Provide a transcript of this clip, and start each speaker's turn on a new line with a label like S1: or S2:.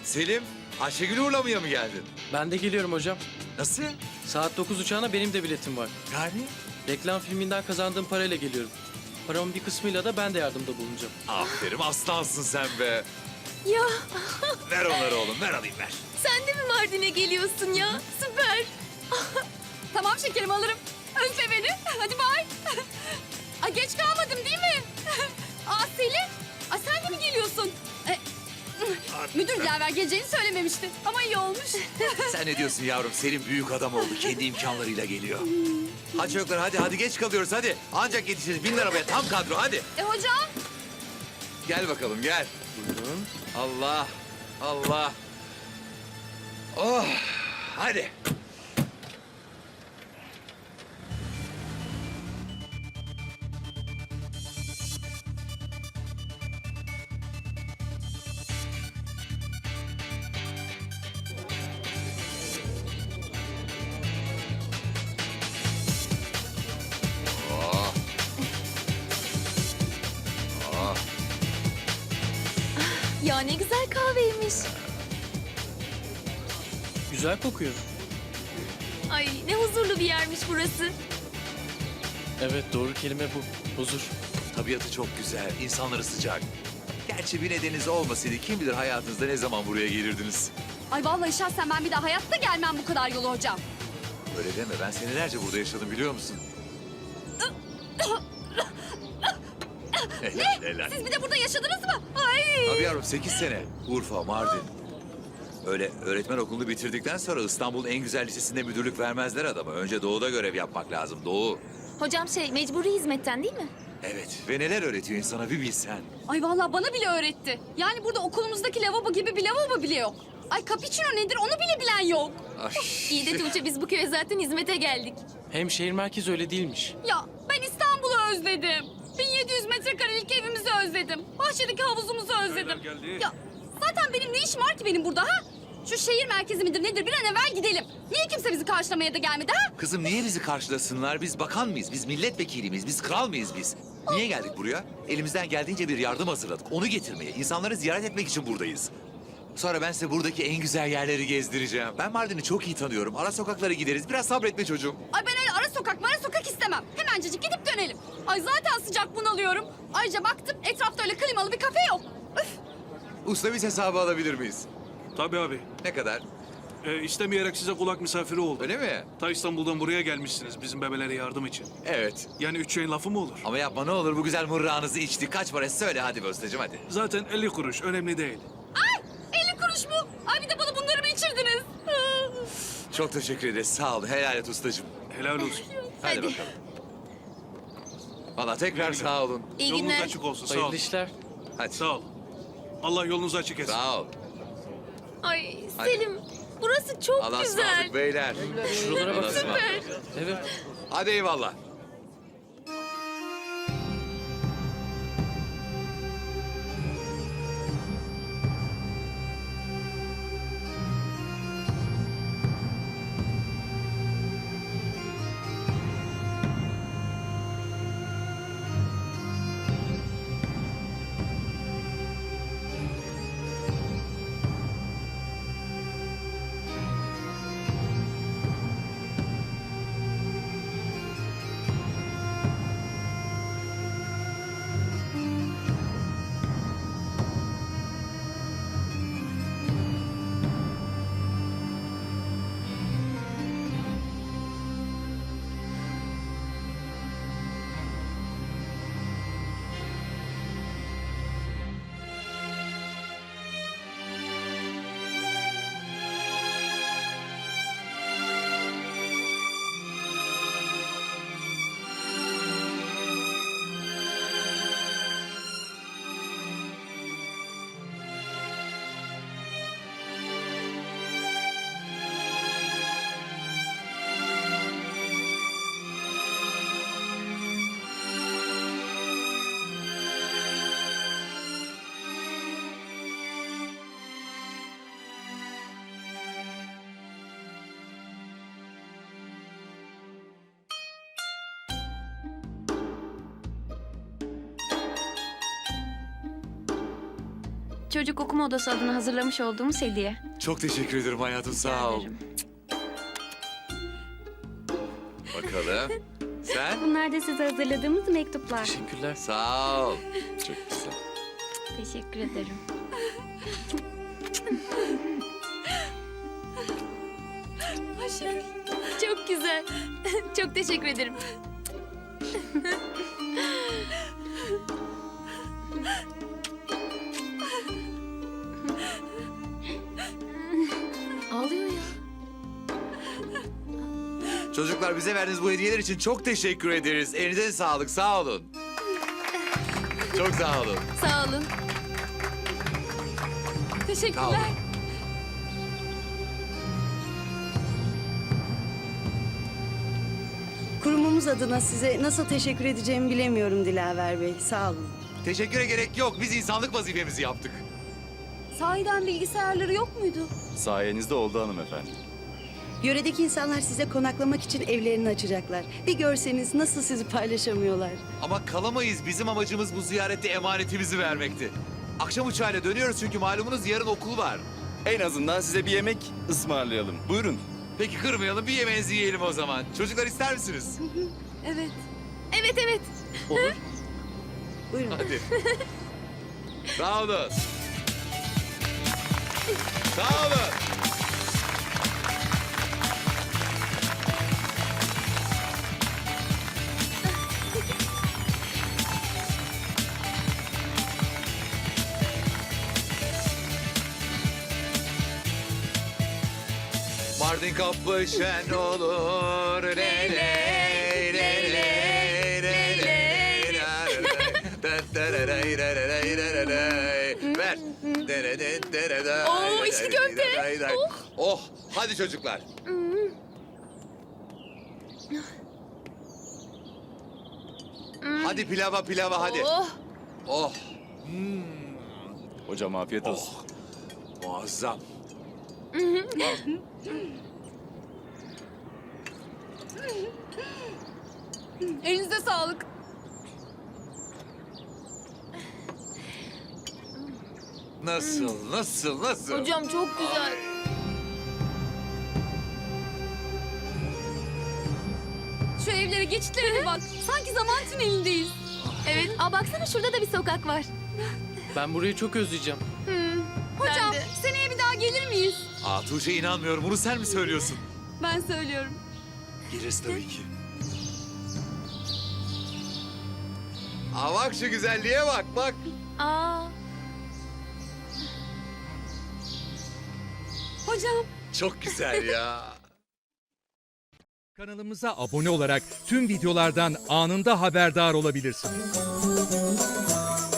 S1: Selim, Ayşegül'ü uğurlamaya mı geldin?
S2: Ben de geliyorum hocam.
S1: Nasıl?
S2: Saat 9 uçağına benim de biletim var.
S1: Yani?
S2: Reklam filminden kazandığım parayla geliyorum. Paramın bir kısmıyla da ben de yardımda bulunacağım.
S1: Aferin, aslansın sen be.
S3: Ya
S1: Ver onları oğlum, ver alayım ver.
S3: sen de mi Mardin'e geliyorsun ya? Süper. Tamam şekerim alırım. Özle beni. Hadi bay. Ay geç kalmadım değil mi? Aa Selim. Ay sen de mi geliyorsun? Müdür Dilaver geleceğini söylememişti. Ama iyi olmuş.
S1: Sen ne diyorsun yavrum? Selim büyük adam oldu, kendi imkanlarıyla geliyor. Hadi çocuklar, hadi geç kalıyoruz hadi. Ancak yetişiriz, bin arabaya tam kadro hadi.
S3: Hocam.
S1: Gel bakalım gel.
S2: Buyurun.
S1: Allah, Allah. Oh, hadi. Oh. Oh.
S3: Ya ne güzel kahveymiş.
S2: Güzel kokuyor.
S3: Ay ne huzurlu bir yermiş burası.
S2: Evet, doğru kelime bu. Huzur.
S1: Tabiatı çok güzel, insanları sıcak. Gerçi bir nedeniniz olmasaydı kim bilir hayatınızda ne zaman buraya gelirdiniz.
S4: Ay vallahi şahsen ben bir daha hayatta gelmem bu kadar yolu hocam.
S1: Öyle deme, ben senelerce burada yaşadım biliyor musun? Helal.
S4: Siz bir de burada yaşadınız mı? Ay.
S1: Tabii yavrum 8 sene. Urfa, Mardin. Öyle öğretmen okulunu bitirdikten sonra İstanbul'un en güzel lisesinde müdürlük vermezler adama. Önce doğuda görev yapmak lazım, doğu.
S3: Hocam mecburi hizmetten değil mi?
S1: Evet ve neler öğretiyor insana bir bilsen.
S4: Ay vallahi bana bile öğretti. Yani burada okulumuzdaki lavabo gibi bir lavabo bile yok. Ay cappuccino nedir onu bile bilen yok.
S1: Ay.
S3: İyi de Tuğçe biz bu köye zaten hizmete geldik.
S2: Hem şehir merkezi öyle değilmiş.
S4: Ya ben İstanbul'u özledim. 1700 metrekarelik evimizi özledim. Bahçedeki havuzumuzu özledim. Ya zaten benim ne işim var ki benim burada ha? Şu şehir merkezi midir nedir bir an evvel gidelim. Niye kimse bizi karşılamaya da gelmedi ha?
S1: Kızım niye bizi karşılasınlar? Biz bakan mıyız? Biz milletvekili miyiz? Biz kral mıyız biz? Niye geldik buraya? Elimizden geldiğince bir yardım hazırladık. Onu getirmeye, insanları ziyaret etmek için buradayız. Sonra ben size buradaki en güzel yerleri gezdireceğim. Ben Mardin'i çok iyi tanıyorum. Ara sokaklara gideriz. Biraz sabretme çocuğum.
S4: Ay ben öyle ara sokak istemem. Hemencecik gidip dönelim. Ay zaten sıcak bunalıyorum. Ayrıca baktım etrafta öyle klimalı bir kafe yok. Üf.
S1: Usta biz hesabı alabilir miyiz?
S5: Tabii abi.
S1: Ne kadar?
S5: İstemeyerek size kulak misafiri oldum.
S1: Öyle mi?
S5: Ta İstanbul'dan buraya gelmişsiniz bizim bebelere yardım için.
S1: Evet.
S5: Yani 3 şeyin lafı mı olur?
S1: Ama yapma ne olur bu güzel mırrağınızı içtik. Kaç para söyle hadi be ustacığım hadi.
S5: Zaten 50 kuruş önemli değil.
S4: Ay 50 kuruş mu? Ay bir de bana bunları mı içirdiniz?
S1: Çok teşekkür ederiz. Sağ ol. Helal et ustacığım.
S5: Helal olsun.
S1: Hadi,
S3: Hadi.
S1: bakalım. Valla tekrar sağ olun.
S3: İyi
S5: Yolunuz
S3: günler.
S5: açık olsun. Sağ
S2: Hayırlı
S5: ol.
S2: işler.
S1: Hadi.
S5: Sağ ol. Allah yolunuzu açık etsin.
S1: Sağ ol.
S3: Ay
S1: Hadi.
S3: Selim burası çok
S1: Allah'a
S3: güzel.
S1: ısmarladık beyler.
S2: Şuralara
S1: Allah'a
S2: bak.
S1: ısmarladık.
S3: Süper.
S2: Evet.
S1: Hadi eyvallah.
S6: çocuk okuma odası adına hazırlamış olduğumuz hediye.
S1: Çok teşekkür ederim hayatım, sağ ol.
S6: Ederim.
S1: Bakalım. Sen?
S6: Bunlar da size hazırladığımız mektuplar.
S2: Teşekkürler.
S1: Sağ ol. Çok güzel.
S6: Teşekkür ederim.
S3: Çok güzel. Çok teşekkür ederim. Ağlıyor ya.
S1: Çocuklar, bize verdiğiniz bu hediyeler için çok teşekkür ederiz. Elinize sağlık, sağ olun. Çok sağ olun.
S3: Sağ olun.
S1: Sağ
S4: Teşekkürler.
S1: olun.
S7: Kurumumuz adına size nasıl teşekkür edeceğimi bilemiyorum Dilaver Bey. Sağ olun.
S1: Teşekküre gerek yok. Biz insanlık vazifemizi yaptık.
S4: Sahiden bilgisayarları yok muydu?
S8: Sayenizde oldu hanımefendi.
S7: Yöredeki insanlar size konaklamak için evlerini açacaklar. Bir görseniz nasıl sizi paylaşamıyorlar.
S1: Ama kalamayız. Bizim amacımız bu ziyarette emanetimizi vermekti. Akşam uçağıyla dönüyoruz çünkü malumunuz yarın okul var.
S8: En azından size bir yemek ısmarlayalım. Buyurun.
S1: Peki kırmayalım, bir yemeğinizi yiyelim o zaman. Çocuklar, ister misiniz?
S4: Evet.
S3: Evet evet.
S2: Olur.
S7: Buyurun.
S1: Hadi. Sağ olun. Sağ olun. Mardin kapı şen olur le le le le le le ver.
S3: Oo, içli köfte.
S1: Oh, hadi çocuklar. Hadi pilava hadi.
S3: Oh.
S1: Oh,
S8: Hocam afiyet olsun.
S1: muazzam.
S4: Elinize sağlık.
S1: Nasıl?
S3: Hocam çok güzel.
S4: Şu evlere, geçitlere bak. Sanki zaman tünelindeyiz.
S3: Evet. Aa baksana, şurada da bir sokak var.
S2: Ben burayı çok özleyeceğim.
S4: Hocam,
S3: Ben de.
S4: seneye bir daha gelir miyiz?
S1: Aa, Tuğçe, inanmıyorum. Bunu sen mi söylüyorsun?
S4: Ben söylüyorum.
S1: Geliriz tabii ki. Aa, bak şu güzelliğe bak.
S3: Aa.
S4: Hocam.
S1: Çok güzel ya.
S9: Kanalımıza abone olarak tüm videolardan anında haberdar olabilirsiniz.